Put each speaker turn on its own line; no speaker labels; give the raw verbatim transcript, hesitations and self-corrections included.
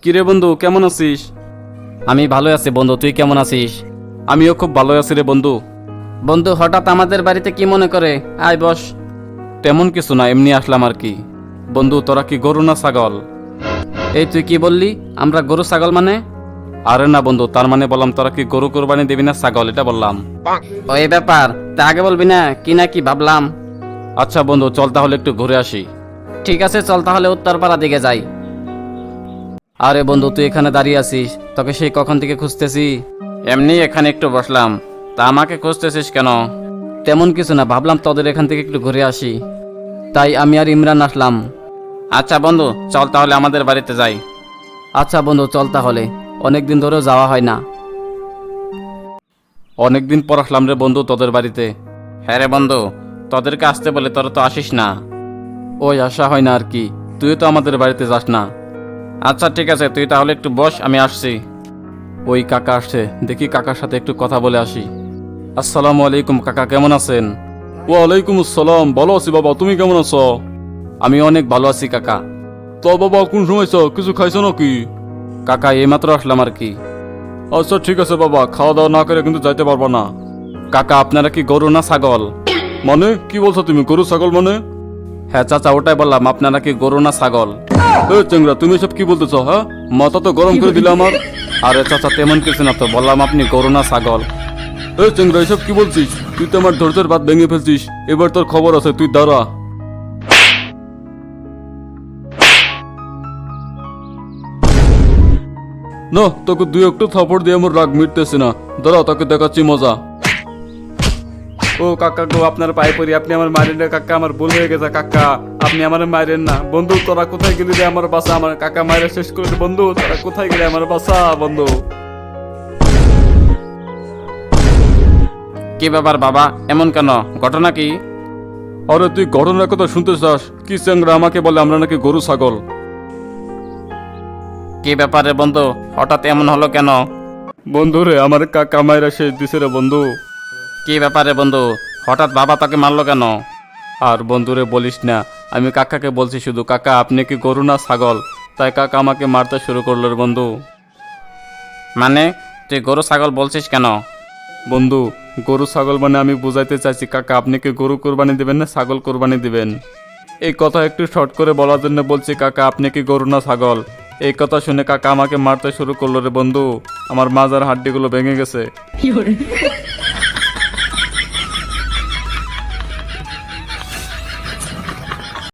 কিরে বন্ধু, কেমন আছিস?
আমি ভালো আছি বন্ধু, তুই কেমন আছিস?
আমিও খুব ভালো আছি রে বন্ধু।
বন্ধু হঠাৎ আমাদের বাড়িতে কি মনে করে? আয় বস।
তেমন কিছু না, এমনি আসলাম আর কি। বন্ধু, তোরা কি গরু না ছাগল?
এই তুই কি বললি? আমরা গরু ছাগল মানে?
আরে না বন্ধু, তার মানে বললাম তোরা কি গরু কোরবানি দিবি না ছাগল, এটা বললাম।
ও এই ব্যাপার, তা আগে বলবি না? কি না কি ভাবলাম।
আচ্ছা বন্ধু, চল তাহলে একটু ঘুরে আসি।
ঠিক আছে, চল তাহলে উত্তরপাড়া দিকে যাই। আরে বন্ধু, তুই এখানে দাঁড়িয়ে আছিস, তোকে সেই কখন থেকে খুঁজতেছি।
এমনি এখানে একটু বসলাম, তা আমাকে খুঁজতেছিস কেন?
তেমন কিছু না, ভাবলাম তোদের এখান থেকে একটু ঘুরে আসি, তাই আমি আর ইমরান আসলাম।
আচ্ছা বন্ধু, চল তাহলে আমাদের বাড়িতে যাই।
আচ্ছা বন্ধু, চল তাহলে, অনেকদিন ধরেও যাওয়া হয় না।
অনেকদিন পর আসলাম রে বন্ধু তোদের বাড়িতে। হ্যাঁ রে বন্ধু, তোদেরকে আসতে বলে তোরা তো আসিস না। ওই আসা হয় না আর কি, তুই তো আমাদের বাড়িতে যাস না। আচ্ছা ঠিক আছে, তুই তাহলে একটু বস, আমি আসছি। ওই কাকা আসছে, দেখি কাকার সাথে একটু কথা বলে আসি। আসসালামু আলাইকুম কাকা, কেমন আছেন? ওয়ালাইকুম আসসালাম, ভালো আছি বাবা, তুমি কেমন আছো? আমি অনেক ভালো আছি কাকা। তো বাবা কোন সময় কিছু খাইছো নাকি? কাকা এইমাত্র আসলাম আর কি। আচ্ছা ঠিক আছে বাবা, খাওয়া দাওয়া না করে কিন্তু যাইতে পারবো না। কাকা আপনারা কি গরু না ছাগল? মানে কি বলছো তুমি, গরু ছাগল মানে? হ্যাঁ চাচা, ওটাই বললাম, আপনারা কি গরু না ছাগল? এ চেংরা, তুমি সব কি বলতেছো? হ্যাঁ, মাথা তো গরম করে দিলে আমার। আরে চাচা তেমন কিছু না তো, বললাম আপনি গরু না ছাগল। এ চেংরা, এসব কি বলছিস? তুই তো আমার ধৈর্যের বাদ ভেঙে ফেলছিস, এবার তোর খবর আছে, তুই দাঁড়া। না, তোকে দুই একটু থাপড় দিয়ে আমার রাগ মিটতেছে না, দাঁড়া তোকে দেখাচ্ছি মজা। ও কাকা গো, আপনার পায়ে পড়ি, আপনি আমার মারেন না কাকা, আমার ভুল হয়ে গেছে কাকা, আপনি আমার মারেন না। বন্ধু তোরা কোথায় গেলি রে আমার বাসা, আমার কাকা মায়ের শেষ করে দে। বন্ধু তোরা কোথায় গেলি আমার বাসা বন্ধু?
কি ব্যাপার বাবা, এমন কেন? ঘটনা কি?
আরে তুই ঘটনার কথা শুনতে চাস? কি চ্যাংরা আমাকে বলে আমরা নাকি গরু ছাগল।
কি ব্যাপারে বন্ধু, হঠাৎ এমন হলো কেন?
বন্ধু রে, আমার কাকা মায়েরা শেষ দিছে রে বন্ধু।
কি ব্যাপারে বন্ধু, হঠাৎ বাবা তাকে মারলো কেন?
আর বন্ধুরে বলিস না, আমি কাকাকে বলছি শুধু, কাকা আপনি কি গরু না ছাগল, তাই কাকা আমাকে মারতে শুরু করলো রে বন্ধু।
মানে তুই গরু ছাগল বলছিস কেন?
বন্ধু, গরু ছাগল মানে আমি বুঝাইতে চাইছি কাকা, আপনি কি গরু কোরবানি দিবেন না ছাগল কোরবানি দিবেন, এই কথা একটু শর্ট করে বলার জন্য বলছি কাকা, আপনি কি গরু না ছাগল। এই কথা শুনে কাকা আমাকে মারতে শুরু করলো রে বন্ধু, আমার মাজার হাড্ডিগুলো ভেঙে গেছে।